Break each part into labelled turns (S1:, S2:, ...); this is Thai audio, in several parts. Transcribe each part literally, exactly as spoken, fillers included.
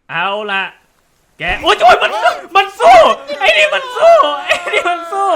S1: เอาละแกโอ๊ยโอ๊ยมันมันสู้ไอ้นี่มันสู้ไอ้นี่มันสู้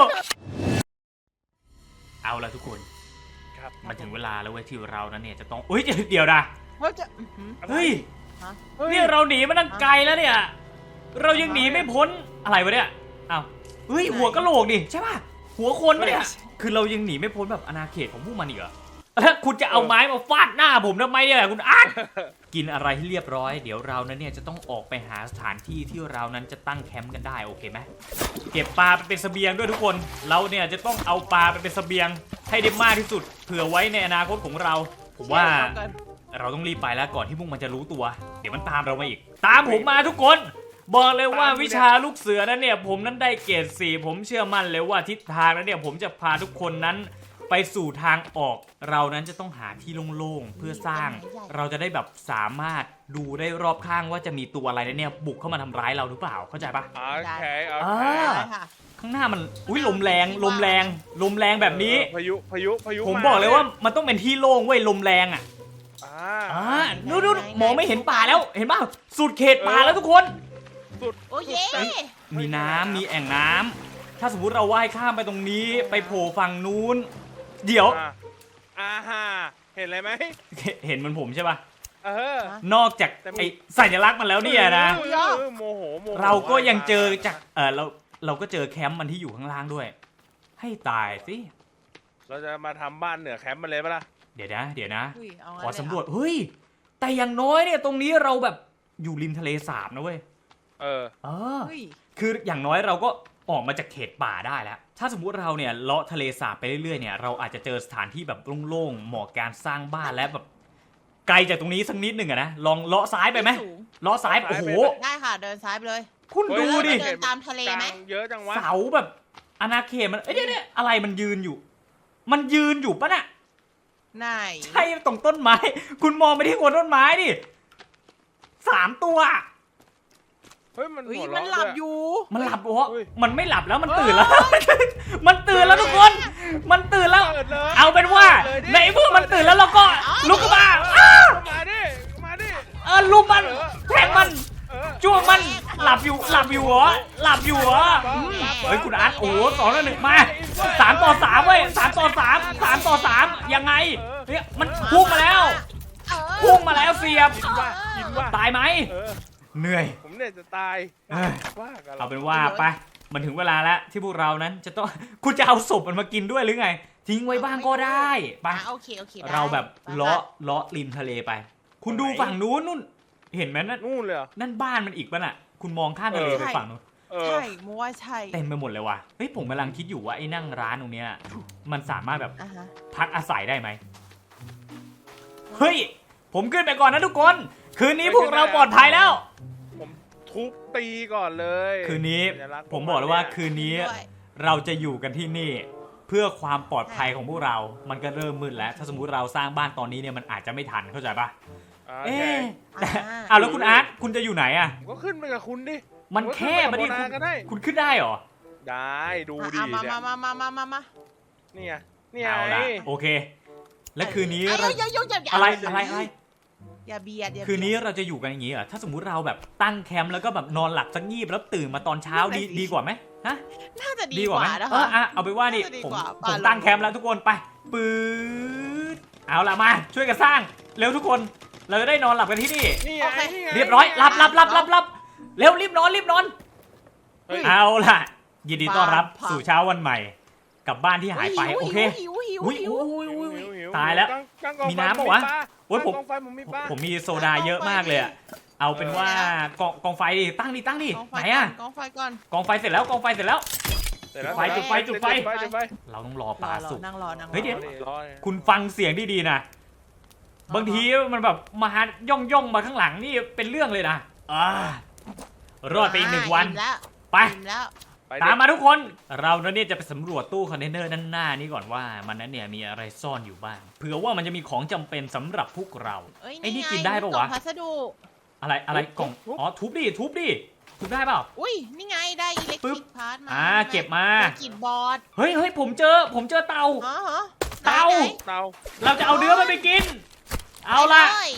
S1: เอาละทุกคนครับมันถึงเวลาแล้วเว้ยที่เรานั้นเนี่ยจะต้องอุ้ยเดี๋ยวนะเฮ้ยเนี่ยเราหนีมาตั้งไกลแล้วเนี่ยเรายังหนีไม่พ้นอะไรวะเนี่ยอ้าวเฮ้ยหัวกะโหลกดิใช่ป่ะหัวคนปะเนี่ยคือเรายังหนีไม่พ้นแบบอาณาเขตของพวกมันอีกเหรอแล้วคุณจะเอาไม้มาฟาดหน้าผมทำไมเนี่ยคุณอาร์ตกินอะไรให้เรียบร้อยเดี๋ยวเรานั้นเนี่ยจะต้องออกไปหาสถานที่ที่เรานั้นจะตั้งแคมป์กันได้โอเคไหมเก็บปลาไปเป็นเสบียงด้วยทุกคนเราเนี่ยจะต้องเอาปลาไปเป็นเสบียงให้ได้มากที่สุดเผื่อไว้ในอนาคตของเราผมว่าเราต้องรีบไปแล้วก่อนที่พวกมันจะรู้ตัวเดี๋ยวมันตามเรามาอีกตามผมมาทุกคนบอกเลยว่าวิชาลูกเสือนั้นเนี่ยผมนั้นได้เกรดสี่ผมเชื่อมั่นเลยว่าทิศทางนั้นเนี่ยผมจะพาทุกคนนั้นไปสู่ทางออกเรานั้นจะต้องหาที่โล่งๆเพื่อสร้างเราจะได้แบบสามารถดูได้รอบข้างว่าจะมีตัวอะไรเนี่ยบุกเข้ามาทำร้ายเราหรือเปล่าเข้าใจปะ
S2: โอเคโอเค
S1: ข้างหน้ามันอุ้ยลมแรงลมแรงลมแรงแบบนี้
S2: พายุพายุพายุ
S1: ผมบอกเลยว่ามันต้องเป็นที่โล่งเว้ยลมแรงอ่ะอ่าดูดูมองไม่เห็นป่าแล้วเห็นป่ะสุดเขตป่าแล้วทุกคน
S3: โอ้ย
S1: มีน้ำมีแอ่งน้ำถ้าสมมุติเราว่ายข้ามไปตรงนี้ไปโผล่ฝั่งนู้นเดี๋ยว
S2: อ่าฮะเห็นอะไรไหม
S1: เห็นมันผมใช่ป่ะ
S2: เออน
S1: อกจากไอ้สัญลักษณ์มันแล้วเนี่ยนะ
S2: โมโหโมโห
S1: เราก็ยังเจอจากเออเราเราก็เจอแคมป์มันที่อยู่ข้างล่างด้วยให้ตายสิ
S2: เราจะมาทำบ้านเหนือแคมป์มันเลยปะล่ะ
S1: เดี๋ยวนะเดี๋ยวนะขอสำรวจเฮ้ยแต่อย่างน้อยเนี่ยตรงนี้เราแบบอยู่ริมทะเลสาบนะเว้ย
S2: เออ
S1: เออคืออย่างน้อยเราก็ออกมาจากเขตป่าได้แล้วถ้าสมมุติเราเนี่ยเลาะทะเลสาบไปเรื่อยๆเนี่ยเราอาจจะเจอสถานที่แบบโล่งๆเหมาะการสร้างบ้านและแบบไกลจากตรงนี้สักนิดหนึ่งอะนะลองเลาะซ้ายไปไหมเลาะซ้ายโอ้โห
S3: ได้ค่ะเดินซ้ายไปเลย
S1: คุณดูดิ
S3: เดินตามทะเลไหม
S2: เยอะจังวะ
S1: เสาแบบอาณาเขตมันเอ้ยเนี่ยอะไรมันยืนอยู่มันยืนอยู่ปะน่ะ
S3: ไหน
S1: ใช่ตรงต้นไม้คุณมองไปที่โคนต้นไม้ดิสามตัว
S2: เฮ้ยมัน
S3: มันหลับอยู่
S1: มันหลับวะมันไม่หลับแล้วมันตื่นแล้วมันตื่นแล้วทุกคนมันตื่นแล้วเอาเป็นว่าในเมื่อมันตื่นแล้วเราก็ลุกขึ้นมา
S2: มาดิมาดิ
S1: เออลุกมันแทงมันจ้วงมันหลับอยู่หลับอยู่เหรอหลับอยู่เหรอเฮ้ยคุณอาร์ตโอ้โหสองต่อหนึ่งมาสามต่อสามเว้ยสามต่อสามสามต่อสามยังไงเนี่ยมันพุ่งมาแล้วพุ่งมาแล้วเสียบตายไหมเหนื่อย
S2: ผมเนี่ยจะตาย
S1: เอาเป็นว่าไปมันถึงเวลาแล้วที่พวกเรานั้นจะต้องคุณจะเอาศพมันมากินด้วยหรือไงทิ้งไว้บ้างก็ได้ไปเราแบบเลาะเลาะริมทะเลไปคุณดูฝั่งนู้นนู่นเห็นไหมนั่น
S2: นู่นเลย
S1: นั่นบ้านมันอีกป่ะน่ะคุณมองข้ามทะเลไปฝั่งนู้น
S3: ใช่มัวใช่
S1: เต็มไปหมดเลยว่ะเฮ้ยผมกำลังคิดอยู่ว่าไอ้นั่งร้านตรงเนี้ยมันสามารถแบบพักอาศัยได้ไหมเฮ้ยผมขึ้นไปก่อนนะทุกคนคืนนี้พวกเราปลอดภัยแล้ว
S2: ผมทุบตีก่อนเลย
S1: คืนนี้ผมบอกเลยว่าคืนนี้เราจะอยู่กันที่นี่เพื่อความปลอดภัยของพวกเรามันก็เริ่มมืดแล้วถ้าสมมุติเราสร้างบ้านตอนนี้เนี่ยมันอาจจะไม่ทันเข้าใจปะเอ๊ะอ้าวแล้วคุณอาร์ตคุณจะอยู่ไหนอ่ะ
S2: ก็ขึ้นไปกับคุณดิ
S1: มันแค่มาดิคุณขึ้นได้หรอ
S2: ได้ดูดิ
S3: มามามามามามา
S2: นี่ไงนี่ไง
S1: เอาละโอเคและคืนนี้เราอะไรอะไรอะไร
S3: อย่าเบียด
S1: คืนนี้เราจะอยู่กันอย่างนี้เหรอถ้าสมมุติเราแบบตั้งแคมป์แล้วก็แบบนอนหลับสักงีบแล้วตื่นมาตอนเช้าดีดีกว่าไหมฮะ
S3: น่าจะดีกว่า
S1: นะคะเอออ่ะเอาไปว่านี่ผมผมตั้งแคมป์แล้วทุกคนไปปื๊ดเอาละมาช่วยกันสร้างเร็วทุกคนเราจะได้นอนหลับกันที่นี่เรียบร้อยหลับหลับหลับหลับหลับเร็วรีบนอนรีบนอนเอาล่ะยินดีต้อนรับสู่เช้าวันใหม่กลับบ้านที่หายไปโอเคอุ้ยตายแล้วมีน้ำปะวะโอ้ยผมผมมีโซดาเยอะมากเลยอะเอาเป็นว่ากองกองไฟดิตั้งดิตั้งดิไหนอะ
S3: กองไฟก่อน
S1: กองไฟเสร็จแล้วกองไฟเสร็จแล้วจุดไฟจุดไฟจุดไฟเราต้องรอปลาสุกเฮ้ยเดี๋ยวคุณฟังเสียงดีๆนะบางทีมันแบบมาย่องย่องมาข้างหลังนี่เป็นเรื่องเลยนะอ่ารอดไปอีกหนึ่งวันไปตามมาทุกคนเราเนี่ยจะไปสำรวจตู้คอนเทนเนอร์ด้านหน้านี้ก่อนว่ามันนั้นเนี่ยมีอะไรซ่อนอยู่บ้างเผื่อว่ามันจะมีของจำเป็นสำหรับพวกเราไอ้นี่กินได้ปะวะ
S3: พัสดุ
S1: อะไรอะไรกล่องอ๋อทุบดิทุบดิทุบได้เปล่า
S3: อุ้ยนี่ไงได้อิเล็กทริกพาร์ทมา
S1: อ่าเก็บมา
S3: กินบอร์ด
S1: เฮ้ยเฮ้ยผมเจอผมเจอเตาเตา
S2: เตา
S1: เราจะเอาเนื้อมันไปกินเอาละ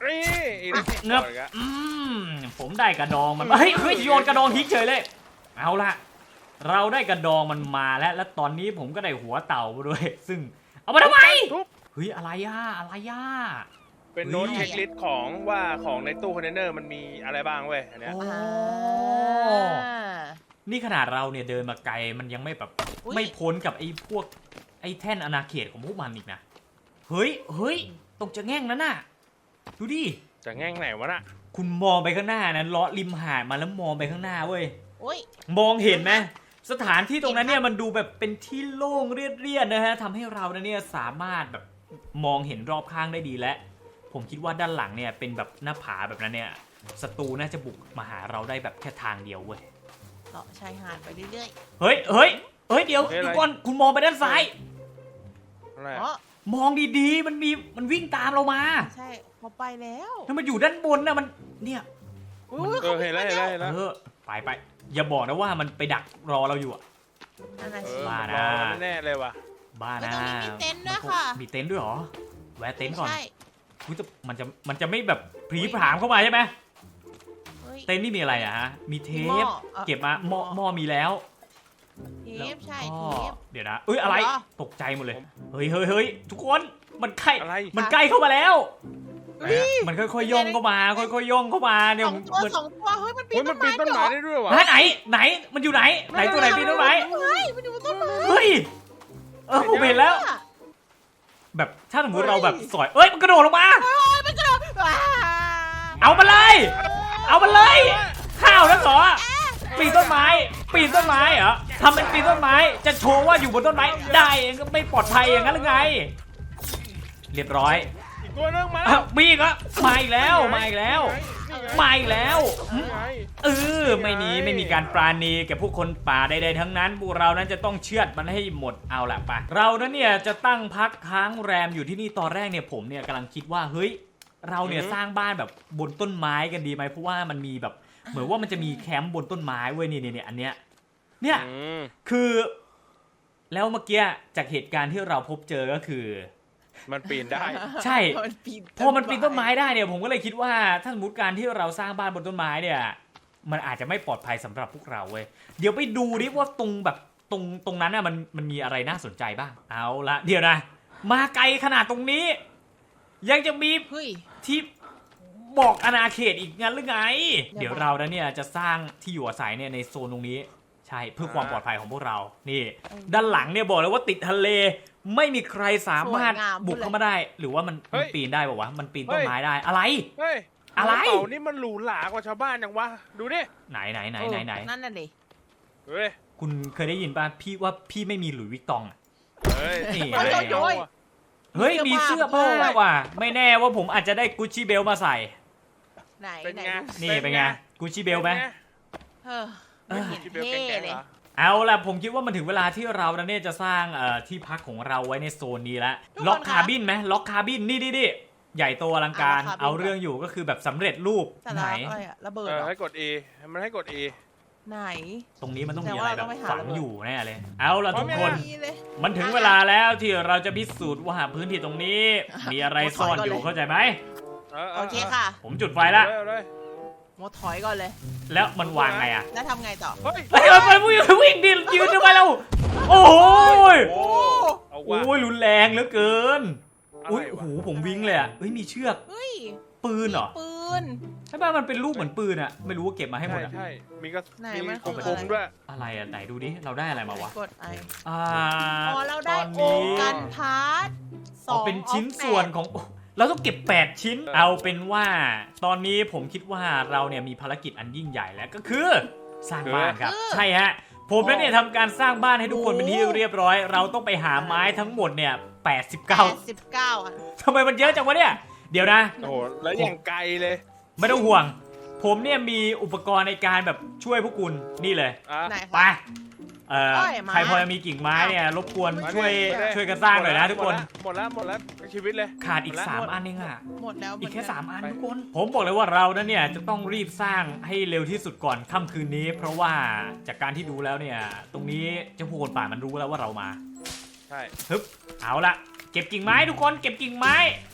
S2: นี่อีก
S1: เงือบอืมผมได้กระดองมันเฮ้ยเฮ้ยโยนกระดองทิ้งเฉยเลยเอาละเราได้กระดองมันมาแล้วและตอนนี้ผมก็ได้หัวเต่ามาด้วยซึ่งเอามาทำไม
S2: ทุบ
S1: เฮ้ยอะไรย่าอะไรย่า
S2: เป็นโน้ตเช็คลิสต์ของว่าของในตู้คอนเทนเนอร์มันมีอะไรบ้างเว้ยอันเนี้ย
S1: โอ้
S3: อ่า
S1: นี่ขนาดเราเนี่ยเดินมาไกลมันยังไม่แบบ
S3: อุ๊ย
S1: ไม่พ้นกับไอ้พวกไอ้แท่นอาณาเขตของพวกมันอีกนะเฮ้ยเฮ้ยตรงจะแง่งนั่นน่ะดูดิ
S2: จะแง่งไหนวะน่ะ
S1: คุณมองไปข้างหน้านะเลาะริมหาดมาแล้วมองไปข้างหน้าเว้ย
S3: โอ้ย
S1: มองเห็นไหมสถานที่ตรงนั้นเนี่ยมันดูแบบเป็นที่โล่งเรียบๆนะฮะทำให้เราเนี่ยสามารถแบบมองเห็นรอบข้างได้ดีและผมคิดว่าด้านหลังเนี่ยเป็นแบบหน้าผาแบบนั้นเนี่ยศัตรูน่าจะบุกมาหาเราได้แบบแค่ทางเดียวเว้ย
S3: เลาะชายหาดไปเรื่อย
S1: เฮ้ยเฮ้ยเฮ้ยเดี๋ยวทุกคนคุณมองไปด้านซ้าย
S2: อะไร
S3: ๆ
S2: อะ
S3: อ๋อ
S1: มองดีๆมันมีมันวิ่งตามเรามา
S3: ใช่พอไปแล้ว
S1: ถ้ามันอยู่ด้านบนนะมันเนี่ย
S3: อุ้ย
S2: เออเห็นแล้วเห็นแล้วเห็นแล้ว
S1: เออไปไปอย่าบอกนะว่ามันไปดักรอเราอยู่อะ
S3: นั่นน่ะ
S2: เอ
S3: สิ
S2: อ
S1: บ้านะ
S2: รอแน่ๆเลยว่ะ
S1: บ้า
S3: แล้ว
S1: นะ
S3: ตรงนี้มีเต็นท์ด้วยค่ะ
S1: มีเต็นท์ด้วยเหรอแวะเต็นท์ก่อน
S3: ใช่
S1: อุ๊ยจะมันจะมันจะไม่แบบผีผลามเข้ามาใช่ไหม
S3: เฮ้ย
S1: เต็นท์นี่มีอะไรอะฮะมีเท
S3: หม้
S1: ป
S3: ออ่ะ
S1: เก็บมาหม้อหม้อมีแล้ว
S3: เทปใช่
S1: แล้ว
S3: เท
S1: ก็
S3: ป
S1: เดี๋ยวนะเอ้ยอะไร
S3: เหรอ
S1: ตกใจหมดเลยเฮ้ยเฮ้ยเฮ้ยทุกคนมันใกล้
S2: อะไร
S1: มันใกล้เข้ามาแล้ว
S3: เฮ้ย
S1: มันค่อยๆย่องเข้ามาค่อยๆย่องเข้ามาเนี่ย
S3: สองตัว
S1: เหมือน
S3: สองตัวเฮ้ยมันปี
S2: เฮ้ย
S3: น
S2: มั
S3: ต้
S2: น
S3: น
S2: ปี
S3: ไม้
S2: นต้นไม้ได้ด้วยวะ
S1: ฮะไหนไหนมันอยู่ไหนไหนตัวไหนปีนต้นไม้
S3: เฮ้ยมันอยู่บนต้นไม้
S1: เฮ้ยเออผมเห็นแล้ว แบบถ้าสมมติเราแบบสอยเอ้ยมันกระโดดลงมา
S3: โอ้ยมันกระโดดว้า
S1: เอามันเลย เอามันเลย ข้าวนั่นเหรอปีนต้นไม้ ปีนต้นไม้เหรอทำเป็นปีนต้นไม้ จะโชว์ว่าอยู่บนต้นไม้ได้เองก็ไม่ปลอดภัยอย่างนั้นหรือไง เรียบร้อย
S2: อีกตัวนึงมา
S1: อ้าวมีอีก็มาอีกแล้วมาอีกแล้ว
S2: นี่ไง
S1: มาอีกแล้ว
S2: นี่ไง
S1: เออไม่มีไม่มีการปราณีแก่ผู้คนป่าใดๆทั้งนั้นพวกเรานั้นจะต้องเชือดมันให้หมดเอาละไปเรานั้นเนี่ยจะตั้งพักค้างแรมอยู่ที่นี่ตอนแรกเนี่ยผมเนี่ยกำลังคิดว่าเฮ้ยเราเนี่ยสร้างบ้านแบบบนต้นไม้กันดีไหมเพราะว่ามันมีแบบเหมือนว่ามันจะมีแคมป์บนต้นไม้เว้ยนี่เนี่ยอันเนี้ยเนี่ย
S2: อืม
S1: คือ แล้วเมื่อกี้จากเหตุการณ์ที่เราพบเจอก็คือ
S2: มันปีนได้
S1: ใช่
S3: มันปีน
S1: พอมันปีนต้นไม้ได้เนี่ยผมก็เลยคิดว่าถ้าสมมติการที่เราสร้างบ้านบนต้นไม้เนี่ยมันอาจจะไม่ปลอดภัยสำหรับพวกเราเว้ยเดี๋ยวไปดูดิว่าตรงแบบตรงตรงนั้นน่ะมันมันมีอะไรน่าสนใจบ้างเอาละเดี๋ยวนะมาไกลขนาดตรงนี้ ยังจะมี
S3: เฮ้ย
S1: ที่บอกอาณาเขตอีกงั้นหรือไง
S3: เดี๋
S1: เดี๋
S3: ย
S1: ยว วเรานะเนี่ยจะสร้างที่อยู่อาศัยเนี่ยในโซนตรงนี้ใช่เพื่อความปลอดภัยของพวกเรานี่ด้านหลังเนี่ยบอกเลยว่าติดทะเลไม่มีใครสามารถบุกเข้ามาได้ หรือว่ามัน
S2: เฮ้
S1: มัน
S2: ย
S1: ปีนได้ป่าวะมันปีนต้นไม้ได้อะไร
S2: เฮ้ย
S1: อะไร
S2: เต่านี่มันหรูหรากว่าชาวบ้านยังวะดูดิ
S1: ไหนไหนไหนไหนไหน
S3: นั่นน่ะดิ
S2: เฮ้ย
S1: คุณเคยได้ยินป่ะพี่ว่าพี่ไม่มีหลุยส์วิกตองอะ
S2: เฮ้ย
S1: นี่
S2: ไม่ได้เอาอะ
S1: เฮ้ยมีเสื้อผ้าว่ะไม่แน่ว่าผมอาจจะได้กุชชี่เบลมาใส่
S3: ไหน
S2: เป็น
S3: ไหน
S2: ไง
S1: นี่เป็นไงกุชชี่เบลไหม
S3: เออไม่เห็น
S2: ที่เบล
S3: เท่
S2: แกงๆ
S3: เลย
S2: เหรอ
S1: เอาล่ะผมคิดว่ามันถึงเวลาที่เราเนี่ยจะสร้างเอ่อที่พักของเราไว้ในโซนนี้แล้วล็อกคาร์บินไหมล็อกคาร์บินนี่ดิดิใหญ่โตอลังการเอาเรื่องอยู่ก็คือแบบสำเร็จรูป
S3: แต่
S1: ไหน
S3: ละอะไรอะระเบิด
S2: เอ
S3: เหร
S2: อ
S3: อ
S2: ให้กด E มันให้กด E
S3: ไหน
S1: ตรงนี้มันต้องมี
S3: แต่
S1: อะไร
S3: ว่า
S1: แบ
S3: ต้อบ งไปหา
S1: ฝัง
S3: ระเบิด
S1: อยู่แน่เลย เอาล่ะทุกคน
S3: มีเลย
S1: มันถึงเวลาแล้วที่เราจะพิสูจน์ว่าพื้นที่ตรงนี้ มีอะไรซ่อนอยู่เข้าใจไหม
S2: เออ
S3: โอเคค่ะ
S1: ผมจุดไฟละ
S2: เอาเลย
S3: โมถอยก่อนเลย
S1: แล้วมันวางไงอะ
S3: แล้วทำไงต่อ
S2: เฮ้ย
S1: เฮ้ยมันวิ่งวิ่งดิยืนทำไมเราโอ้ย
S2: โอ้เอาว่ะ
S1: โอ้ยรุนแรงเหลือเกิน
S2: อะไร
S1: อุ้ยโอ้
S2: วะ
S1: โหผมวิ่งเลยอะเฮ้ยมีเชือก
S3: เฮ้ย
S1: ปืนเหรอ
S3: ปืน
S1: ใช่ป่ะมันเป็นรูปเหมือนปืนอะไม่รู้ว่าเก็บมาให้หม
S2: ใช่
S1: ดอะ
S2: ใช่มีกระ
S3: ไหน
S2: มี
S3: มัน
S2: ค
S3: คือ
S2: ม
S3: อะไร
S2: คมด้วย
S1: อะไรอะไหนดูดิเราได้อะไรมาวะ
S3: กดไอ
S1: อ่า
S3: อ๋อเราได้
S1: ตอน
S3: โอ
S1: นี้
S3: กันพาร์ทส
S1: อ๋
S3: อ
S1: อง เป็นชิ้นส่วนของ เราต้องเก็บแปดชิ้น เอาเป็นว่า ตอนนี้ผมคิดว่าเราเนี่ยมีภารกิจอันยิ่งใหญ่แล้วก็คือ สร้างบ้านครับ ใช่ฮะ ผมแล้วเนี่ยทำการสร้างบ้านให้ทุกคนเป็นที่เรียบร้อย เราต้องไปหาไม้ทั้งหมดเนี่ยแปดสิบเก้า
S3: แปดสิบเก้าอ่ะ
S1: ทำไมมันเยอะจังวะเนี่ย เดี๋ยวนะ
S2: โอ้โหแล้วอย่างไกลเลย
S1: ไม่ต้องห่วง ผมเนี่ยมีอุปกรณ์ในการแบบช่วยพวกคุณนี่เลย
S2: อ่ะ
S3: ไหน
S1: ไป
S3: คะ
S1: เอ่อ
S3: เอ้ยไม้
S1: ใครพอจะมีกิ่งไม้เนี่ยรบกวน
S2: มา
S1: ช่วย
S2: มา
S1: ช่วยกันสร้างหน่อยนะทุกคน
S2: หมดแล้วหมดแล้วหมดแล้วชีวิตเลย
S1: ขาดอีก
S2: หมดแล้ว
S1: สามอันเองอะ
S3: หมดแล้ว
S1: อีกแค่
S3: เหนน
S1: สามอัน
S2: ไป
S1: ทุกคน ผมบอกเลยว่าเรานั้นเนี่ยจะต้องรีบสร้างให้เร็วที่สุดก่อนค่ำคืนนี้ เพราะว่าจากการที่ดูแล้วเนี่ย ตรงนี้เจ้าพวกคนป่ามันรู้แล้วว่าเรามา
S2: ใช่
S1: ฮึบเอาละเก็บกิ่งไม้ทุกคนเก็บกิ่งไม้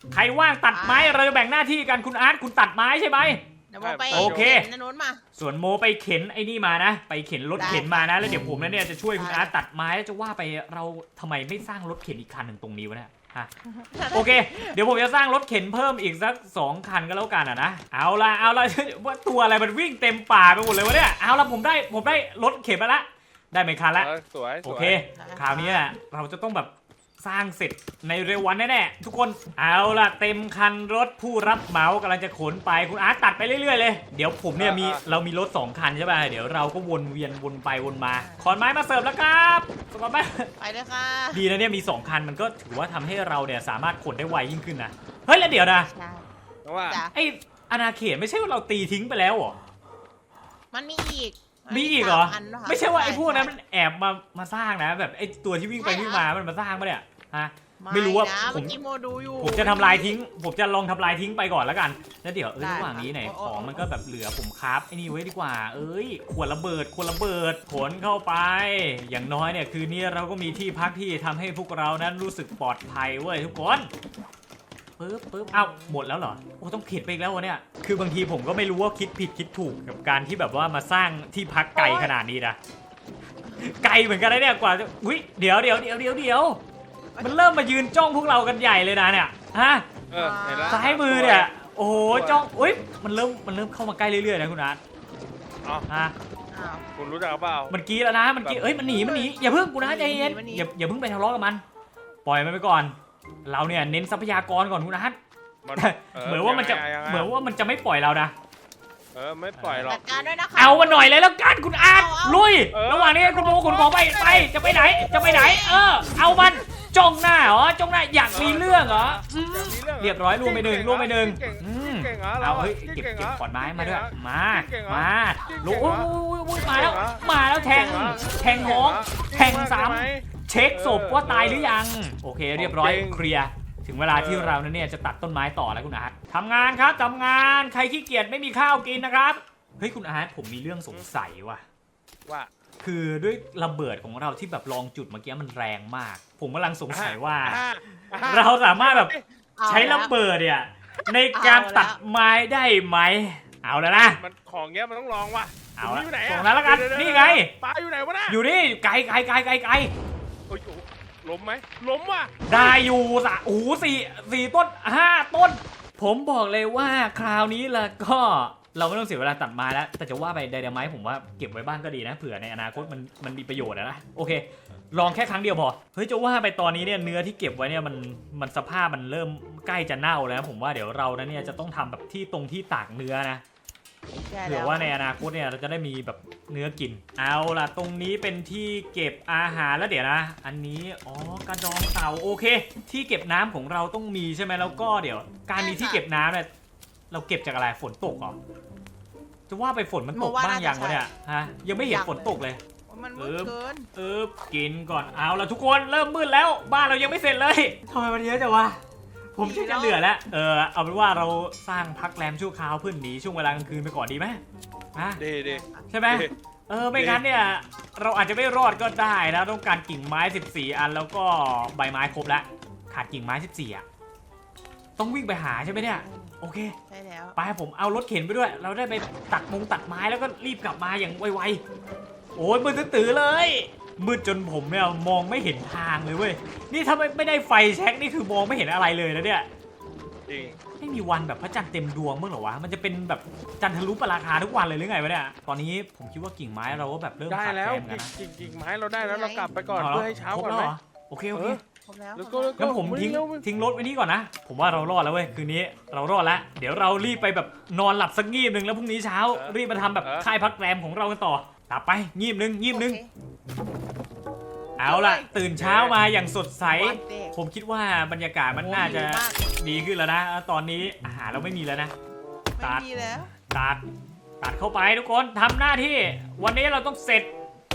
S1: ใครว่างตัดไม้เราจะแบ่งหน้าที่กันคุณอาร์ตคุณตัดไม้ใช่ไหม
S3: เดี๋ยวโมไป
S1: โอเค
S3: นนนู้นมา
S1: ส่วนโมไปเข็นไอ้นี่มานะ ไปเข็นรถ
S3: ได้
S1: เข็นมานะ แล้วเดี๋ยวผมเนี่ยจะช่วยคุณ
S3: ได้
S1: อาร์ตตัดไม้แล้วจะว่าไปเราทำไมไม่สร้างรถเข็นอีกคันหนึ่งตรงนี้วะเนี่ยฮะ โอเค เดี๋ยวผมจะสร้างรถเข็นเพิ่มอีกสักสองคันก็แล้วกันอ่ะนะ เอาละเอาละ ว่าตัวอะไรมันวิ่งเต็มป่าไปหมดเลยวะเนี่ย เอาละผมได้ผมได้รถเข็นมาละ ได้ไหมคันละ
S2: เออสวยสวย
S1: โอเค คราวนี้เราจะต้องแบบสร้างเสร็จในเร็ววันแน่ๆทุกคน เอาล่ะเต็มคันรถผู้รับเหมากำลังจะขนไปคุณอาร์ตตัดไปเรื่อยๆเลยเดี๋ยวผมเนี่ยมีเรามีรถสองคันใช่ป่ะเดี๋ยวเราก็วนเวียนวนไปวนมาขอนไม้มาเสิร์ฟแล้วครับสกอตไป
S3: ไปเลยค่ะ
S1: ดีนะเนี่ยมีสองคันมันก็ถือว่าทำให้เราเนี่ยสามารถขนได้ไวยิ่งขึ้นนะเฮ้ยแล้วเดี๋ยวนะ
S3: ใช่
S2: เพราะว่า
S3: จ้ะ
S1: ไออาณาเขตไม่ใช่ว่าเราตีทิ้งไปแล้วเหรอ
S3: มันมีอีกน
S1: มีอีกเหรอ
S3: สานนะคะ
S1: ไม่ใช่ว่าไอ้พวกนั้น
S3: ใช่
S1: มันแอบมามาสร้างนะแบบไอ้ตัวที่วิ่งไป
S3: ใช่
S1: วิ่ง
S3: เหรอ
S1: มามันมาสร้างปะเนี่ยฮะ
S3: ไม่
S1: ไม่รู้ว่า
S3: นะ
S1: ผม
S3: เมื่อกี้โมดูอยู่
S1: ผมจะทำลายทิ้ง ผมจะลองทำลายทิ้งไปก่อนแล้วกัน แล้วเดี๋ยวเออ
S3: ได้
S1: ระหว่างนี้ไหน
S3: ครับ
S1: ของ
S3: โอ้โอ้
S1: มันก็แบบเหลือผมคราฟไอ้นี่ไว้ดีกว่า เอ้ยขวดระเบิดขวดระเบิดขนเข้าไป อย่างน้อยเนี่ยคืนนี้เราก็มีที่พักที่ทำให้พวกเรานั้นรู้สึกปลอดภัยเว้ยทุกคนปึ๊บปึ๊บเอ้าหมดแล้วเหรอ โอ้ต้องผิดไปอีกแล้ววะเนี่ย คือบางทีผมก็ไม่รู้ว่าคิดผิดคิดถูกกับการที่แบบว่ามาสร้างที่พักไกลขนาดนี้นะ ไกลเหมือนกันนะเนี่ยกว่าจะอุ้ยเดี๋ยวเดี๋ยวเดี๋ยวเดี๋ยวเดี๋ยวมันเริ่มมายืนจ้องพวกเรากันใหญ่เลยนะเนี่ยฮะ
S2: เออเห็นแล้ว
S1: ซ้ายมือเนี่ยโอ้โห
S2: สวย
S1: จ้องอุ้ยมันเริ่มมันเริ่มเข้ามาใกล้เรื่อยๆนะคุณอาร์ต
S2: อ๋อ
S1: ฮะ
S3: อ้าว
S2: คุณรู้จักเปล่า
S1: มันกรีดแล้วนะมันกรีดเอ้ยมันหนีมันหนีอย่าเพิ่งกูนะใจเย็น
S3: มันหนี
S1: อย่าอย่าเพิ่งไปทะเลาะกับมัน ปล่อยมันไปก่อน เราเนี่ยเน้นทรัพยากรก่อนคุณอาร์ต
S2: มัน
S1: เหมือนว่ามันจะ
S2: ยังไงยังไง
S1: เหมือนว่ามันจะไม่ปล่อยเรานะ
S2: เออไม่ปล่อยหรอ
S3: จั
S2: ก
S3: ดการด้วยนะคะ
S1: เอามาหน่อยเลยแล้วกันคุณอาร์ต
S3: เอาเอา
S1: ลุย
S2: เออ
S1: ระหว่างนี้คุณโมคุณของไปไปจะไปไหนจะไปไหน เออ เอามันจ้องหน้าเหรอจ้องหน้าอยากมีเรื่องเหรออืม
S2: มีเรื่องห
S1: เรียบร้อยรวมไปหนึ่งรวมไปหนึ่ง
S2: เก่ง
S1: อืม
S2: เก่งเหรอ
S1: เอาเฮ้ย
S2: ก่ง
S1: เก็บ
S2: หร
S1: เก็บขอนไม้มาด้วย
S2: เก่งเหรอ
S1: มา
S2: เก่งเหรอ
S1: มา
S2: เก่งเหร
S1: โอ้
S2: อ
S1: โหโอ้ยมาแล้ว
S2: เก่งเหรอ
S1: มาแล้วแทง
S2: เก่งเหรอ
S1: แทงท้อง แทงซ้
S2: ใช่ไหม
S1: ำเช็คศพว่าตายหรือยัง โอเค เรียบร้อย
S2: เก่ง
S1: เคลียร์ถึงเวลาที่
S2: เออ
S1: เราเนี่ยจะตัดต้นไม้ต่อแล้วคุณอาร์ตทำงานครับทำงานใครขี้เกียจไม่มีข้าวกินนะครับเฮ้ยคุณอาร์ตผมมีเรื่องสงสัยว่ะ
S2: ว่า
S1: คือด้วยระเบิดของเราที่แบบลองจุดเมื่อกี้มันแรงมาก ผมกำลังสงสัยว่า
S2: อ่ะอ่ะ
S1: เราสามารถแบบ
S3: เอา
S1: ใช้ระเบิดเนี่ยในการตัดไม้ได้ไหม เอาแล้วนะ
S2: มันของเงี้ยมันต้องลองว่ะ
S1: เอา
S2: มัน
S1: ละ
S2: อยู่ไหน
S1: ตร
S2: อะ
S1: งนั้นแล้วกัน
S2: เดี๋ยวๆๆ
S1: นี่ไง
S2: ปลาอยู่ไหนวะน่ะ
S1: อยู่นี่ไกลไกลไกลไกลไกล
S2: โอ้ยโอ้โหล้มไหมล้มว่ะ
S1: ได้อยู่สะโอ้โหสี่สี่ต้นห้าต้น ผมบอกเลยว่าคราวนี้ละก็เราไม่ต้องเสียเวลาตัดไม้แล้ว แต่จะว่าไปไดนาไมต์ผมว่าเก็บไว้บ้างก็ดีนะเผื่อในอนาคตมันมันมีประโยชน์อะนะโอเค ลองแค่ครั้งเดียวพอเฮ้ยจะว่าไปตอนนี้เนี่ยเนื้อที่เก็บไว้เนี่ยมันมันสภาพมันเริ่มใกล้จะเน่าแล้วผมว่าเดี๋ยวเรานะเนี่ยจะต้องทำแบบที่ตรงที่ตากเนื้อนะ
S3: ใช่
S1: เผื่
S3: แล้
S1: อว่าในอนาคตเนี่ยเราจะได้มีแบบเนื้อกิน เอาล่ะตรงนี้เป็นที่เก็บอาหารแล้วเดี๋ยวนะ อันนี้อ๋อกระดองเต่าโอเค ที่เก็บน้ำของเราต้องมีใช่ไหมแล้วก็เดี๋ยว การมีที่เก็บน้ำเนี่ยเราเก็บจากอะไรฝนตกเหรอจะว่าไปฝนมันตกบ้างยังวะเนี่ยฮะยังไม่เห็นฝนตกเลย
S3: มันมืดเกิน
S1: เออกินก่อนเอาละทุกคนเริ่มมืดแล้วบ้านเรายังไม่เสร็จเลยทำไมมันเยอะจังวะผมชักจะเหลือแล้วเออเอาเป็นว่าเราสร้างพักแรมชั่วคราวเพื่อหนีช่วงเวลากลางคืนไปก่อนดีไหมฮะ
S2: ดีดี
S1: ใช่ไหมเออไม่งั้นเนี่ยเราอาจจะไม่รอดก็ได้นะต้องการกิ่งไม้สิบสี่อันแล้วก็ใบไม้ครบแล้วขาดกิ่งไม้สิบสี่อ่ะต้องวิ่งไปหาใช่ไหมเนี่ยโอเค
S3: ใช่แล้ว
S1: ไปผมเอารถเข็นไปด้วย เราได้ไปตัดมงตัดไม้แล้วก็รีบกลับมาอย่างไวๆโอ้ยมืดตื้อๆเลยมืดจนผมเนี่ยมองไม่เห็นทางเลยเว้ยนี่ถ้าไม่ไม่ได้ไฟแช็กนี่คือมองไม่เห็นอะไรเลยนะเนี่ย
S2: จริง
S1: ไม่มีวันแบบพระจันทร์เต็มดวงมั้งเหรอวะมันจะเป็นแบบจันทรุปราคาทุกวันเลยหรือไงวะเนี่ยตอนนี้ผมคิดว่ากิ่งไม้เราก็แบบเริ่ม
S2: ได้
S1: ขาด
S2: แล้ว
S1: แคลนกันนะ
S2: กิ่งกิ่งไม้เราได้แล้วเรากลับไปก่อน
S1: า
S2: เพื่อให้เช้า
S1: ครบ
S2: ก่อน
S1: แล้ว
S2: ไหม
S1: เหรอโอเคโอเค
S2: เออ
S3: ครบแล้ว
S2: แล้วก็
S1: งั้นผมทิ้ง
S2: เร็ว
S1: ทิ้งรถไว้นี่ก่อนนะ ผมว่าเรารอดแล้วเว้ยคืนนี้เรารอดแล้วเดี๋ยวเรารีบไปแบบนอนหลับสักงีบหนึ่งแล้วพรุ่งนี้เช้า รีบมาทำแบบค่ายพักแรมของเรากันต่อหลับไปงีบหนึ่งงีบหนึ่ง
S3: โอเค
S1: เอาล่ะ ตื่นเช้ามาอย่างสดใส
S3: วันเด็ก
S1: ผมคิดว่าบรรยากาศมันน่าจะ
S3: โอ้ดีมาก
S1: ดีขึ้นแล้วนะตอนนี้อาหารเราไม่มีแล้วนะ
S3: ไม่มีแล้ว
S1: ตัดตัดเข้าไปทุกคนทำหน้าที่ วันนี้เราต้องเสร็จ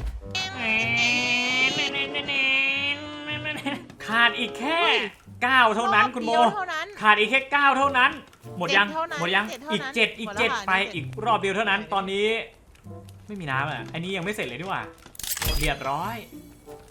S1: ขาดอีกแค่เก้าเท่านั้นคุณโม
S3: รอบเดียวเท่านั้น
S1: ขาดอีกแค่เก้าเท่านั้น หมดยัง
S3: เจ็ดเท่านั้น
S1: หมดยัง
S3: เจ็ดเท่านั้น
S1: อีกเจ็ดอีก
S3: หมดแล้ว
S1: เจ็ด
S3: ค่ะ
S1: ไป
S3: นี่เจ็ด
S1: อีกรอบเดียวเท่านั้น ตอนนี้ ไม่มีน้ำอ่ะอันนี้ยังไม่เสร็จเลยดีกว่าเรียบร้อย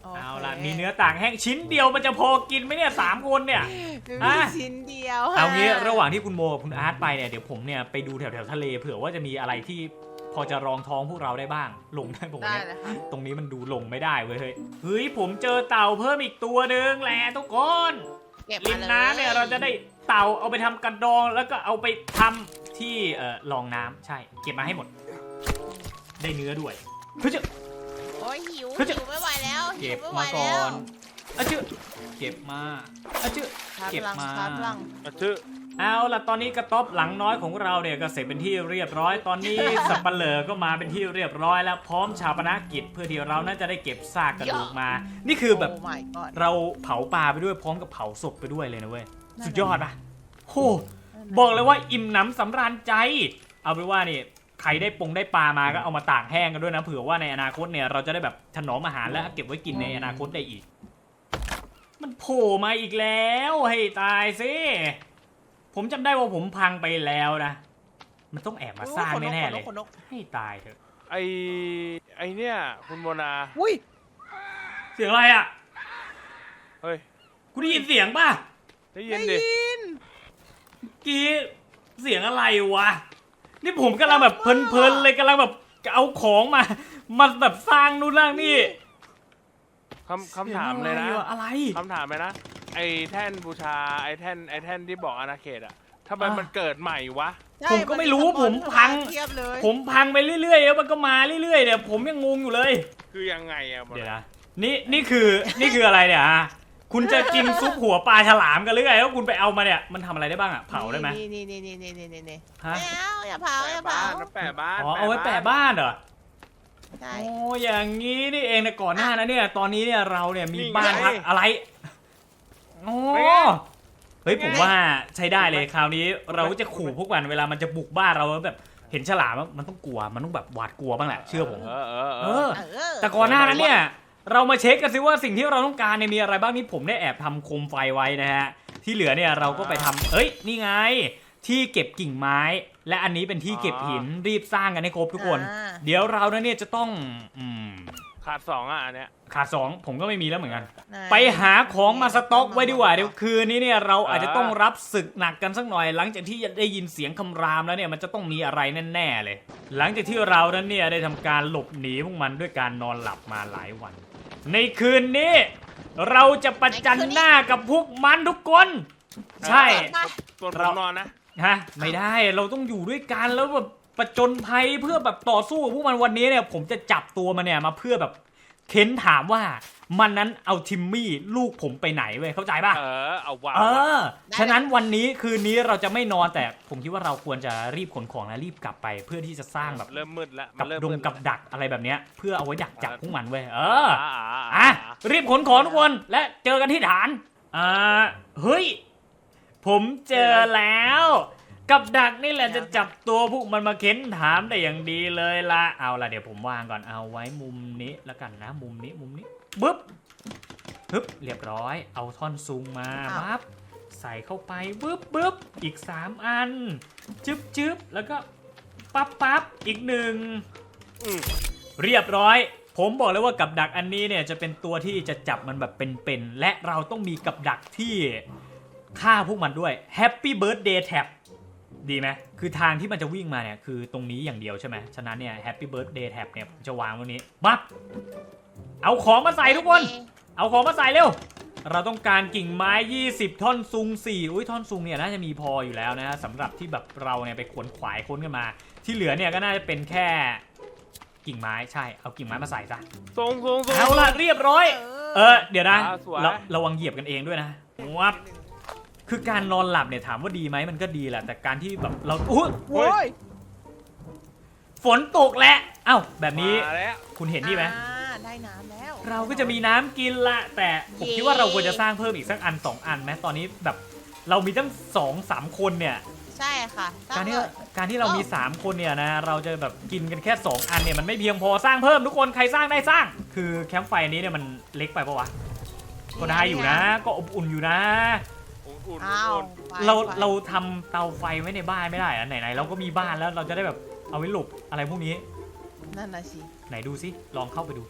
S1: เอาล่ะมีเนื้อต่างแห้งชิ้นเดียวมันจะพอกินไหมเนี่ยสามคนเนี่ย
S3: มี
S1: อ่ะ
S3: ชิ้นเดียว
S1: เอางี้ระหว่างที่คุณโมกับคุณอาร์ตไปเนี่ยเดี๋ยวผมเนี่ยไปดูแถวแถวทะเลเผื่อว่าจะมีอะไรที่พอจะรองท้องพวกเราได้บ้างลงได้ผม
S3: ได้
S1: เนี่ย
S3: เลยค่ะ
S1: ตรงนี้มันดูลงไม่ได้เว้ยเฮ้ยเฮ้ยผมเจอเต่าเพิ่มอีกตัวหนึ่งแหละทุกคน
S3: เก็บ
S1: ริ
S3: มาม เลย
S1: น้ำเนี่ยเราจะได้เต่าเอาไปทำกระดองแล้วก็เอาไปทำที่เอ่อรองน้ำใช่เก็บมาให้หมด ได้เนื้อด้วยเฮ้ย
S3: โอ้ยหิว
S1: เขาจะ
S3: หิวไม่ไหวแล้วหิ
S1: เก็
S3: ว
S1: บ
S3: ไม่ไหว
S1: มาก่อ
S3: แล้ว
S1: นอะชื่อเก็บมาอะชื่อ
S3: ชาร์จ
S1: เก็บ
S3: พลัง
S1: มา
S3: ชาร์จพลัง
S2: อะชื่อ
S1: เอาล่ะตอนนี้กระต๊อบหลังน้อยของเราเนี่ยก็เสร็จเป็นที่เรียบร้อยตอนนี้ สับปะเหร่อก็มาเป็นที่เรียบร้อยแล้วพร้อมชาปนกิจเพื่อที่เราน่าจะได้เก็บซากกระดูกมา นี่คือแบบ
S3: โอ้ my god
S1: เราเผาปลาไปด้วยพร้อมกับเผาศพไปด้วยเลยนะเว้ยสุดยอดปะโหบอกเลยว่าอิ่มหนำสำราญใจ เอาเป็นว่านี่ใครได้ปงได้ปลามาก็เอามาตากแห้งกันด้วยนะเผื่อว่าในอนาคตเนี่ยเราจะได้แบบถนอมอาหารและเก็บไว้กินในอนาคตได้อีก มันโผล่มาอีกแล้วให้ตายสิผมจำได้ว่าผมพังไปแล้วนะมันต้องแอบมาสร้างแน่ๆเลย
S3: ขนนก
S1: ให้ตายเถอะ
S2: ไอไอเนี่ยคุณโมนา
S3: อุ้ย
S1: เสียงอะไรอ่ะ
S2: เฮ้ย
S1: กูได้ยินเสียงป่ะ
S2: ได้ยิ
S3: ได้
S2: นดิ
S3: ยิน
S1: กี้เสียงอะไรวะนี่ผมกำลังแบบเพลินๆเลยกำลังแบบเอาของมามาแบบสร้างนู่นนั่งนี่
S2: คำคำถามเลยนะ
S1: สีงอะไร
S2: คำถามเลยนะไอแท่นบูชาไอแท่นไอแท่นที่บอกอาณาเขตอะทำไม
S1: อ่ะ
S2: มันเกิดใหม่วะ
S3: ใช่
S1: ผมก็ไม่รู้
S3: น
S1: ผมพัง
S3: เทียบเลย
S1: ผมพังไปเรื่อยๆแล้วมันก็มาเรื่อยๆเนี่ยผมยังงงอยู่เลย
S2: คือยังไงอะ
S1: เดี๋ยวนะนี่นี่คือนี่คืออะไรเนี่ยฮะคุณจะกินซุปหัวปลาฉลามกันหรือไงแล้วคุณไปเอามาเนี่ยมันทำอะไรได้บ้างอ่ะเผาได้ไหม
S3: นี่นี่นี่นี่นี่นี่นี่
S1: ฮะ
S3: ไม่เอาอย่าเผาอย่า
S2: แปะ
S3: เผา
S2: บ้านนะแปะบ้าน
S1: อ๋อเอาไว้แปะบ้านเหรอ
S3: ใช่
S1: โอ้อย่างงี้นี่เองนะก่อนหน้านะเนี่ยตอนนี้เนี่ยเราเนี่ยมีบ้านพักอะไรโอ้เฮ้ยผมว่าใช้ได้เลยคราวนี้เราจะขู่พวกมันเวลามันจะบุกบ้านเราแล้วแบบเห็นฉลามมันต้องกลัวมันต้องแบบหวาดกลัวบ้างแหละเชื่อผม
S2: เออเออเอ
S1: เอ
S2: อ
S1: อ
S3: เออ
S1: แต่ก่อนหน้านั้นเนี่ยเรามาเช็คกันซิว่าสิ่งที่เราต้องการเนี่ยมีอะไรบ้างนี่ผมได้แอบทำโคมไฟไว้นะฮะที่เหลือเนี่ยเราก็ไปทำเอ้ยนี่ไงที่เก็บกิ่งไม้ และอันนี้เป็นที่เก็บหินรีบสร้างกันให้ครบทุกคน
S3: อ่า
S1: เดี๋ยวเราเนี่ยจะต้องอืม
S2: ขาดสองอ่ะอันเนี้ย
S1: ขาดสองผมก็ไม่มีแล้วเหมือนกัน
S3: ไหน
S1: ไปหาของมาสต็อกไว้ดีกว่าเดี๋ยวคืนนี้เนี่ยเราอาจจะ
S2: อ่า
S1: ต้องรับศึกหนักกันสักหน่อย หลังจากที่ได้ยินเสียงคำรามแล้วเนี่ยมันจะต้องมีอะไรแน่ๆเลย หลังจากที่เรานั้นเนี่ยได้ทำการหลบหนีพวกมันด้วยการนอนหลับมาหลายวัน ในคืนนี้ เราจะประจันหน้ากับพวกมันทุกคน ใช่
S2: ส่วนผ
S1: เรา
S2: มนอนนะ
S1: ฮะไม่ได้เราต้องอยู่ด้วยกันแล้วแบบประจนภัยเพื่อแบบต่อสู้กับพวกมันวันนี้เนี่ยผมจะจับตัวมันเนี่ยมาเพื่อแบบเค้นถามว่ามันนั้นเอาทิมมี่ลูกผมไปไหนเว้ยเข้าใจป่ะ
S2: เออเอาวาง
S1: เออฉะนั้นวันนี้คืนนี้เราจะไม่นอนแต่ผมคิดว่าเราควรจะรีบขนของและรีบกลับไป เพื่อที่จะสร้างแบบ
S2: เริ่มมืดแล้วมั
S1: กับ
S2: นเริ่ม
S1: ดง
S2: มืด
S1: กับดักอะไรแบบเนี้ยเพื่อเอาไว้ดักจับพวกมันเว้ยเออ
S2: อ่า
S1: อ่ะรีบขนของทุกคนและเจอกันที่ฐานอ่าเฮ้ยผมเจอแล้ว กับดักนี่แหละจะจับตัวพวกมันมาเค้นถามได้อย่างดีเลยละเอาละเดี๋ยวผมวางก่อนเอาไว้มุมนี้แล้วกันนะมุมนี้มุมนี้บึ๊บฮึบเรียบร้อยเอาท่อนซุงมาปั๊บใส่เข้าไปบึ๊บบึ๊บอีกสามอันจึ๊บจึ๊บแล้วก็ปั๊บปั๊บอีกหนึ่ง
S2: อืม
S1: เรียบร้อย ผมบอกเลยว่ากับดักอันนี้เนี่ยจะเป็นตัวที่จะจับมันแบบเป็นๆและเราต้องมีกับดักที่ฆ่าพวกมันด้วย Happy Birthday Tab ดีไหมคือทางที่มันจะวิ่งมาเนี่ยคือตรงนี้อย่างเดียวใช่ไหมฉะนั้นเนี่ย Happy Birthday Tab เนี่ยผมจะวางตรงนี้ปั๊บเอาของมาใส่ทุกคน เอาของมาใส่เร็ว เราต้องการกิ่งไม้ยี่สิบท่อนซุงสี่อุ้ยท่อนซุงเนี่ยน่าจะมีพออยู่แล้วนะฮะสำหรับที่แบบเราเนี่ยไปขวนขวายค้นกันมา ที่เหลือเนี่ยก็น่าจะเป็นแค่กิ่งไม้ใช่เอากิ่งไม้มาใส่ซะ
S2: ทรงทรงทรง
S1: เอาละเรียบร้อย เออเดี๋ยวนะ
S2: อ่าสวย
S1: เราระวังเหยียบกันเองด้วยนะวับคือการนอนหลับเนี่ยถามว่าดีไหมมันก็ดีแหละแต่การที่แบบเราอุ๊ย
S3: โอ้ย
S1: ฝนตกแล้วเอ้าแบบนี้
S2: มาแล้ว
S1: คุณเห็นนี่ไหม
S3: อ่าได้น้ำแล้ว
S1: เราก็จะมีน้ำกินละแต่ผมคิดว่าเราควรจะสร้างเพิ่มอีกสักอันสองอันไหมตอนนี้แบบเรามีตั้งสองสามคนเนี่ย
S3: ใช่ค่ะ
S1: การที่
S3: ตั้งเลย
S1: การที่เรามีสามคนเนี่ยนะเราจะแบบกินกันแค่สองอันเนี่ยมันไม่เพียงพอสร้างเพิ่มทุกคนใครสร้างได้สร้าง คือแคมป์ไฟนี้เนี่ยมันเล็กไปปะวะก็ได้อยู่นะ ก็อบอุ่นอยู่นะ
S2: อุ่นอุ่น
S3: อ้าว
S2: อุ่น
S3: ไฟ
S1: เรา
S3: ไฟ
S1: เราทำเตาไฟไว้ในบ้านไม่ได้อะไหนๆเราก็มีบ้านแล้วเราจะได้แบบเอาไว้หลบอะไรพวกนี้
S3: นั่นน่ะสิ
S1: ไหนดูซิลองเข้าไปดู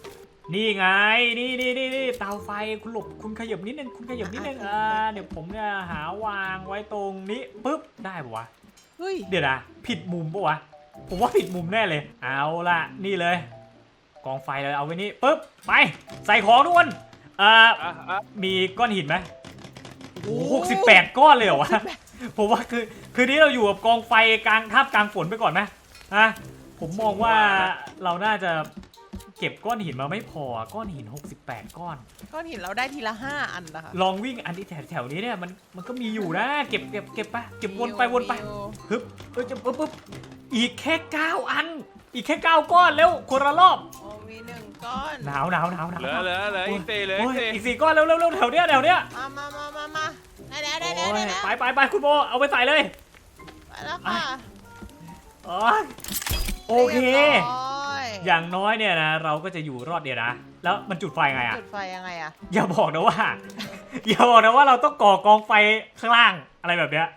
S1: นี่ไงนี่นี่นี่นี่เตาไฟคุณหลบคุณขยับนิดนึงคุณขยับนิดนึงอ่าเดี๋ยวผมเนี่ยหาวางไว้ตรงนี้ปุ๊บได้ปะวะ
S3: เฮ้ย
S1: เดี๋ยวนะผิดมุมปะวะผมว่าผิดมุมแน่เลยเอาล่ะนี่เลยกองไฟเลยเอาไว้นี่ปุ๊บไปใส่ของทุกคนเอ่อ
S2: อ่ะอ่ะ
S1: มีก้อนหินไหมโอ้หกสิบแปดก้อนเลยเหรอวะผมว่าคือคืนนี้เราอยู่กับกองไฟกลางทับกลางฝนไปก่อนไหมฮะผมมองว่าเราน่าจะเก็บก้อนหินมาไม่พอก้อนหินหกสิบแปดก้อน
S3: ก้อนหินเราได้ทีละห้าอันนะคะ
S1: ลองวิ่งอันที่แถวๆนี้เนี่ยมันมันก็มีอยู่นะเก็บเก็บเก็บไปเก็บวนไปวนไป ฮึบเออจะปุ๊บปุ๊บอีกแค่เก้าอัน อีกแค่เก้าก้อนเร็วคนละรอบ
S3: โอ้มีหนึ่งก้อน
S1: หนาวหนาวหนาวหนาว
S2: เหลือเหลือเหลืออีกสี่เหลือ
S1: โอ้
S2: อี
S1: ย
S2: กสี่
S1: อีกสี่ก้อนเร็วเร็วเร็วแถวเนี้ยแถวเนี้ย
S3: มามามามามาได้แล้วได้แล้ว
S1: โอ้
S3: ได้
S1: ย
S3: แล้ว
S1: ไปไปไปคุณโบเอาไปใส่เลย
S3: ไปแล้วค่ะ
S1: อ๋อโอเค
S3: รียบร้อย
S1: อย่างน้อยเนี่ยนะเราก็จะอยู่รอดเดียวนะ แล้วมันจุดไฟไงอ่ะ
S3: จุดไฟยังไงอะ
S1: อย่าบอกนะว่า อย่าบอกนะว่าเราต้องก่อกองไฟข้างล่างอะไรแบบเนี้ย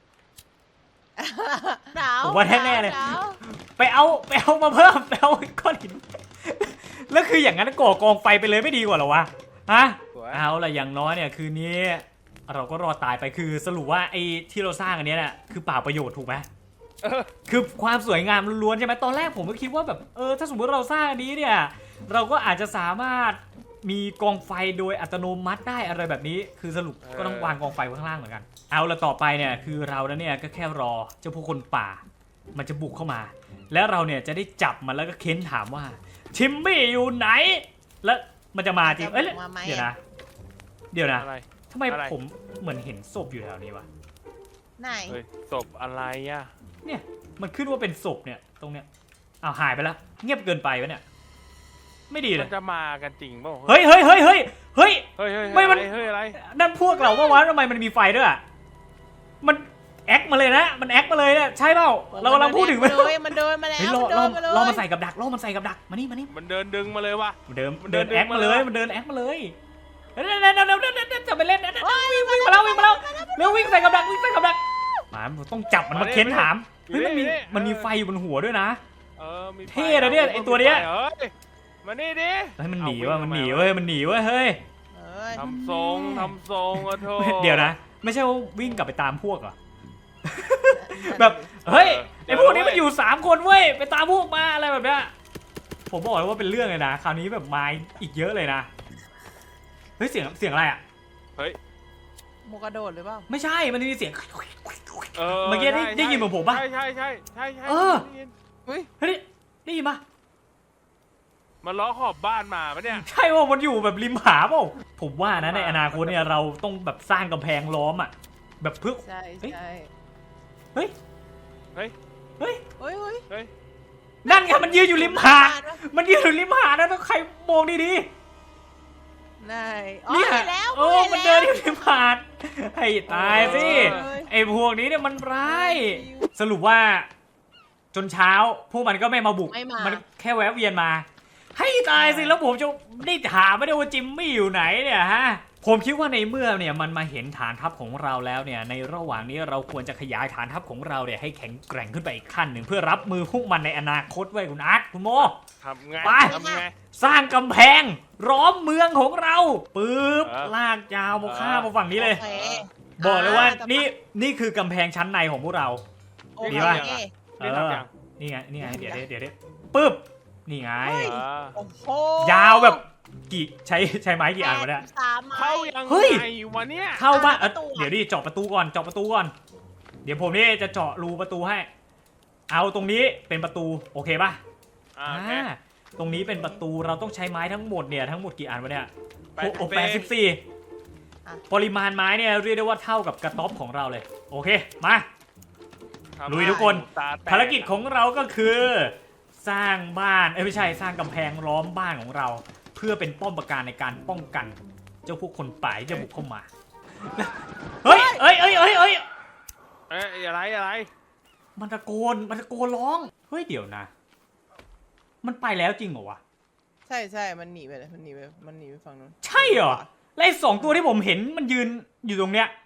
S3: หนาว
S1: ผมว่าแน่ๆเลย
S3: หนาว
S1: ไปเอาไปเอามาเพิ่มไปเอาก้อนหินแล้วคืออย่างนั้นก่อกองไฟไปเลยไม่ดีกว่าเหรอวะฮะ
S2: สวย
S1: เอาละอย่างน้อยเนี่ยคืนนี้ เราก็รอดตายไปคือสรุปว่าไอ้ที่เราสร้างอันเนี้ยเนี่ยคือเปล่าประโยชน์ถูกไหม
S2: เออ
S1: คือความสวยงามล้วนๆใช่ไหมตอนแรกผมก็คิดว่าแบบเออถ้าสมมติเราสร้างอันนี้เนี่ยเราก็อาจจะสามารถมีกองไฟโดยอัตโนมัติได้อะไรแบบนี้ คือสรุปก็ต้องวางกองไฟไว้ข้างล่างเหมือนกันเอาละต่อไปเนี่ยคือเราแล้วเนี่ยก็แค่รอเจ้าพวกคนป่า มันจะบุกเข้ามา แล้วเราเนี่ยจะได้จับมันแล้วก็เค้นถามว่าชิมบี้อยู่ไหน แล้วมันจะมาจริงเอ้ย
S3: มาไหม
S1: เดี๋ยวนะ เดี๋ยวนะ
S2: อะไร
S1: ทำไม
S2: อะไร
S1: ผมเหมือนเห็นศพอยู่แถวนี้วะ
S3: ไหน
S2: เฮ้ยศพอะไรอ่ะ
S1: เนี่ยมันขึ้นว่าเป็นศพเนี่ยตรงเนี้ยอ้าวหายไปแล้วเงียบเกินไปวะเนี่ยไม่ดีเล
S2: มั
S1: ย
S2: นจะมากันจริงเปล่า
S1: เฮ้ยเฮ้ยเฮ้ยเฮ้ยเฮ้ย
S2: เฮ้ยเฮ้ย
S1: ไม่มัน
S2: เฮ้ยอะไร
S1: นั่นพวกเราว่าวะทำไมมันมีไฟด้วยอะมันแอคมาเลยนะมันแอคมาเลยเนี่ยใช่เปล่าเรากำลังพูดถึง
S3: มั
S1: มัน น
S3: เดินมันเดินมาแล้ว
S1: เฮ้ยล่อ
S3: มัน
S1: ล่
S3: เดิ
S1: อน
S3: มาเลย
S1: ล่อมันใส่กับดักล่อมันใส่กับดักมานี่มานี่
S2: มันเดินดึงมาเลยว่ะ
S1: มันเดิน
S2: มัน
S1: เดิน
S2: เดิน
S1: แอคมาเลย
S2: มาเลย
S1: มันเดินแอคมาเลยเดี๋ยวเดี๋ยวเดี๋ยวเดี๋ยวเดี๋ยวเดี๋ยวจะไปเล่นนะวิ่งวิ่งมาแล้ววิ่งมาแล้วเร็ววิ่งใส่กับดักวิ่งใส่กับดักหมาต้องจับมันมาเค้นถามเฮ้ยมันมีมันมีไฟอยู่บนหัวด้วยนะ
S2: เออมีไฟ
S1: เท่นะเนี่ยไอ้ตัวเนี้ย
S2: เฮ้ยมานี่ดิ
S1: เฮ้ยมันหนี
S2: เอา
S1: ว่ะ
S2: วิ่ง
S1: มันหนี
S2: มา
S1: เว้ยมันหนีเว้ยเฮ้ย
S3: เอ้ย
S2: ทำทรงทำทรงอะโธ่
S1: เดี๋ยวนะ ไม่ใช่ว่าวิ่งกลับไปตามพวกเหรอ แบบเฮ้ยไอพวกนี้มันอยู่สามคนเว้ยไปตามพวกมาอะไรแบบเนี้ยผมบอกเลยว่าเป็นเรื่องเลยนะคราวนี้แบบมาอีกเยอะเลยนะเฮ้ยเสียงเสียงอะไรอ่ะ
S3: โมกระโดดหรือเปล่า
S1: ไม่ใช่มันมีเสียง
S2: เออ
S1: เมื่อกี้ได้
S2: ใช่
S1: ได้ยินเหมือนผมปะ
S2: ใช่ใช่ใช่ใช่ใช่
S1: เออ
S2: ได้ยิน
S3: เฮ้ย
S1: เฮ้ยได้ยินปะ
S2: มันล้อขอบบ้านมาปะเนี่ย
S1: ใช่ว่ามันอยู่แบบริมหาเปล่าผมว่านะในอนาคตเนี่ยเราต้องแบบสร้างกำแพงล้อมอ่ะแบบเพื่อ
S3: ใช่ใช่
S1: เฮ้ย
S2: เฮ้ย
S1: เฮ้ย
S3: เฮ้ยเฮ้ย
S2: เฮ้ย
S1: นั่นไงมันยืนอยู่ริมหาดมันยืนอยู่ริมหาดนะต้องใครมองดีๆ
S3: ไหนอ๋อ
S1: เนี่ย
S3: เห็นแล้ว
S1: โอ้
S3: ห็
S1: มัน
S3: แล้ว
S1: เดินอยู่ในผ่านให้ตายสิ
S3: เอ้ย
S1: ไอ้พวกนี้เนี่ยมันร้าย สรุปว่า จนเช้า พวกมันก็ไม่มาบุก
S3: ไม่มา
S1: นแค่แวะเวียนมา ให้ตายสิ แล้วผมจะได้ถามไม่ได้ว่าจิมมี่อยู่ไหนเนี่ยฮะ ผมคิดว่าในเมื่อเนี่ยมันมาเห็นฐานทัพของเราแล้วเนี่ย ในระหว่างนี้เราควรจะขยายฐานทัพของเราเนี่ยให้แข็งแกร่งขึ้นไปอีกขั้นหนึ่งเพื่อรับมือพวกมันในอนาคตไว้ยคุณอาร์ตคุณโม
S2: ทำไง
S1: ไป
S2: ทำไง
S1: สร้างกำแพงล้อมเมืองของเราปึ๊บ
S2: เออ
S1: ลากยาวมาข้ามมาฝั่งนี้เลย
S3: โอค
S1: บอกเลยว่า
S3: แต่
S1: นี่นี่คือกำแพงชั้นในของพวกเรา
S3: โอ
S1: ดี
S3: เค
S1: ปะ
S2: นี่ทำยัง
S1: นี่ไงนี่ไงเดี๋ยวเดี๋ยวเดี๋ยวเดี๋ยวปึ๊บนี่ไง
S3: เฮ้ย
S2: เออ
S3: โอ้โห
S1: ยาวแบบกี่ใช้ใช้ไม้กี่อันวะเนี่ย
S3: แปดสิบสามไม้
S2: เข้ายัง
S1: เฮ้ย
S2: ไงวะเนี่ย
S1: เข้าบ้านเอ้ย
S3: ประตูอะ
S1: เดี๋ยวดิเจาะประตูก่อนเจาะประตูก่อน เดี๋ยวผมนี่จะเจาะรูประตูให้ เอาตรงนี้เป็นประตูโอเคป่ะ
S2: อ่าโอเค
S1: อ่าตรงนี้เป็นประตูเราต้องใช้ไม้ทั้งหมดเนี่ยทั้งหมดกี่อันวะเนี่ย
S2: แปดสิบ
S1: โอ้แปดสิบสี่
S3: อ่ะ
S1: ปริมาณไม้เนี่ยเรียกได้ว่าเท่ากับกระต๊อบของเราเลย โอเคมา
S2: ทำ
S1: ลุยทุกคน
S2: ตาแต
S1: ภารกิจของเราก็คือ สร้างบ้านเอ้ยไม่ใช่สร้างกำแพงล้อมบ้านของเรา เพื่อเป็นป้อมปราการในการป้องกัน เจ้าพวกคนป่าที่จะบุกเข้ามาเฮ้ยเอ้ยเอ้ยเอ้ยเอ้ย
S2: เอ้ยอะไรอะไร
S1: มันตะโกนมันตะโกนร้องเฮ้ยเดี๋ยวนะ มันไปแล้วจริงเหรอวะ
S3: ใช่ใช่มันหนีไปเลยมันหนีไปมันหนีไปฝั่งนู้น
S1: ใช่เหรอและไอ้สองตัวที่ผมเห็นมันยืนอยู่ตรงเนี้ย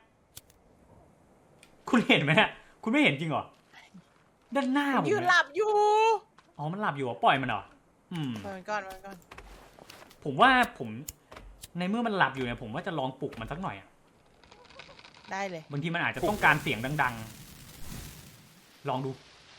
S1: คุณเห็นไหมเนี่ยคุณไม่เห็นจริงเหรอด้านหน้าผม
S3: ยืน
S1: เนี่ย
S3: หลับอยู่
S1: อ๋อ มันหลับอยู่เหรอปล่อยมันเหรอ อืม
S3: ไปมันก่อนไปมันก่อน
S1: ผมว่าผมในเมื่อมันหลับอยู่เนี่ยผมว่าจะลองปลุกมันสักหน่อยอะ
S3: ได้เลย
S1: บางทีมันอาจจะต้องการเสียงดังๆ ลองดู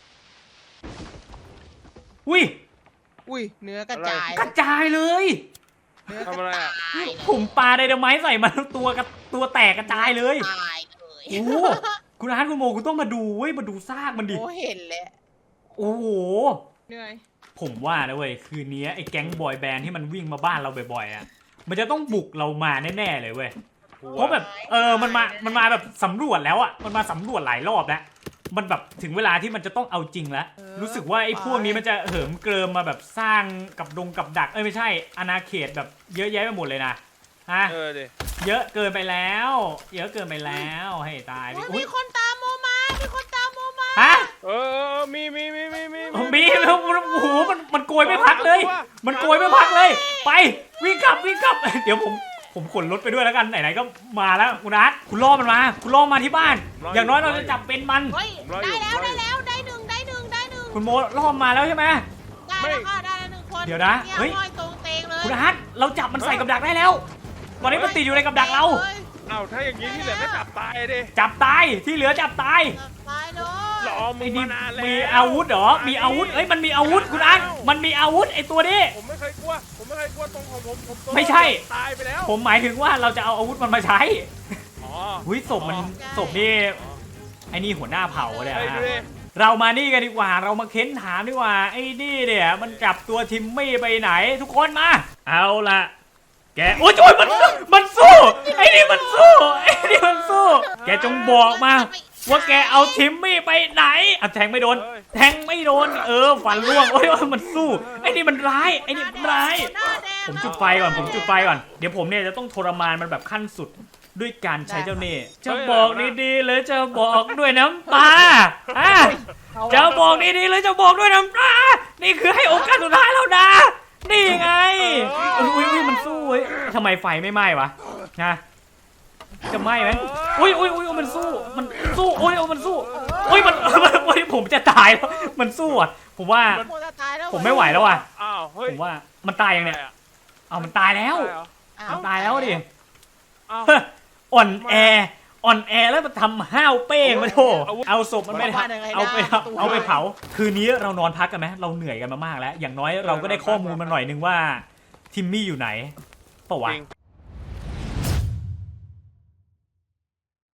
S1: อุ้ย
S3: อุ้ยเนื้อกระจาย
S1: กระจายเลย
S3: เนื้อก
S2: ทำอะไร
S3: ระ
S2: อ่ะ
S3: จาย
S1: ผมปาไดนาไมต์ใส่มันตัวกระตัวแตกกระจายเลย
S3: ตายเลย
S1: โอ้โหคุณอาร์ตคุณโมคุณต้องมาดูเว้ยมาดูซากมันดิ
S3: โอ้เห็นแล้ว
S1: โอ้โห
S3: เหนื่อย
S1: ผมว่านะเว้ยคืนนี้ไอ้แก๊งบอยแบนด์ที่มันวิ่งมาบ้านเราบ่อยๆอ่ะมันจะต้องบุกเรามาแน่ๆเลยเว้ยเพราะแบบเออมันมามันมาแบบสำรวจแล้วอ่ะมันมาสำรวจหลายรอบแล้วมันแบบถึงเวลาที่มันจะต้องเอาจริงแล้วรู้สึกว่าไอ้พวกนี้มันจะเหิมเกริมมาแบบสร้างกับดงกับดักเอ้ยไม่ใช่อาณาเขตแบบเยอะแยะไปหมดเลยนะฮะ
S2: เออดิ
S1: เยอะเกินไปแล้ว เยอะเกินไปแล้วให้ตายดิ
S3: โอ้ย
S1: อุ๊
S3: มี
S1: ย
S3: คนตามโมมา มีคนตามโมมา
S1: ฮะ
S2: เออมีมีมีมีมี
S1: มีแล้วโอ้โหมันมันโกยไม่พักเลย มันโกยไม่พักเลย ไปวิ่งกลับวิ่งกลับ เดี๋ยวผมผมขนรถไปด้วยแล้วกันไหนๆก็มาแล้วคุณอาร์ตคุณล่อมันมา คุณล่อมาที่บ้าน อย่างน้อยเราจะจับเป็นมัน
S3: เฮ้ย ได้แล้วได้แล้วได้หนึ่งได้หนึ่งได้หนึ่ง
S1: คุณโมล่อมาแล้วใช่ไหม
S3: ได้แล้วค่ะได้แล้วหนึ่งคน
S1: เดี๋ยวนะ
S3: เนี่ย
S1: เฮ้ย
S3: ห้อยตรงเตงเลย
S1: คุณอาร์ตเราจับมันใส่กับดักได้แล้ว ตอนนี้มันติดอยู่ในกับดักเรา
S3: ฮ้ย
S2: เอ้าถ้าอย่างนี้ที่เหลือก็จับตายดิ
S1: จับตายที่เหลือจับตาย
S3: จับตายเลย
S2: รอมึ
S1: ไอ้
S2: ง
S1: นี่
S2: มานานแล้ว
S1: มีอาวุธเหรอมีอาวุธเอ้ยมันมีอาวุธคุณอาร์ตมันมีอาวุธไอ้ตัวนี้
S2: ผมไม่เคยกลัว ผมไม่เคยกลัวตรงของผมผมตัว
S1: ไม่ใช่
S2: ตายไปแล้ว
S1: ผมหมายถึงว่าเราจะเอาอาวุธมันมาใช้
S2: อ๋อ
S1: หุยศพมันศพนี่ไอ้นี่หัวหน้าเผ่าเนี่ย
S2: เฮ้ย
S1: ฮะ
S2: ดูดิ
S1: เรามานี่กันดีกว่าเรามาเค้นถามดีกว่าไอ้นี่เนี่ยมันจับตัวทิมมี่ไปไหนทุกคนมาเอาละแกโอ้ยโอ้ยมันมันสู้ไอ้นี่มันสู้ไอ้นี่มันสู้ แกจงบอกมา ว่าแกเอาทิมมี่ไปไหนอ่ะแทงไม่โดน แทงไม่โดนเออฟันร่วงโอ้ยโอ้ยมันสู้ไอ้นี่มันร้ายไอ้นี่มันร้าย
S3: หน้าแดง
S1: ผมจุดไฟก่อนผมจุดไฟก่อนเดี๋ยวผมเนี่ยจะต้องทรมานมันแบบขั้นสุดด้วยการใช้เจ้าเน่ห์จะบอกดีๆหรือจะบอกด้วยน้ำตาอ่ะจะบอกดีๆหรือจะบอกด้วยน้ำตานี่คือให้โอกาสสุดท้ายแล้วนะนี่ไงอุ้ยอุ้ยมันสู้เว้ยทำไมไฟไม่ไหม้วะนะจะไหม้ไหมอุ้ยอุ้ยอุ้ยมันสู้มันสู้โอ้ยมันสู้อุ้ยมันโอ้ยผมจะตายแล้วมันสู้อ่ะผมว่า
S3: โมจะตายแล้ว
S1: ผมไม่ไหวแล้วอ่ะ
S2: อ้าวเฮ้ย
S1: ผมว่ามันตายยังเนี่ยเอามันตายแล้ว
S2: ตายเหรอ
S3: อ้
S1: มันตายแล้วดิ
S2: อ้าว
S1: อ่อนแออ่อนแอแล้วมันทำห้าวเป้งมาโถเอาศพมันไปเอาไปเอาไปเผาคืนนี้เรานอนพักกันไหมเราเหนื่อยกันมามากแล้ว อย่างน้อยเราก็ได้ข้อมูลมาหน่อยนึงว่าทิมมี่อยู่ไหนเปล่าวะ
S2: จริง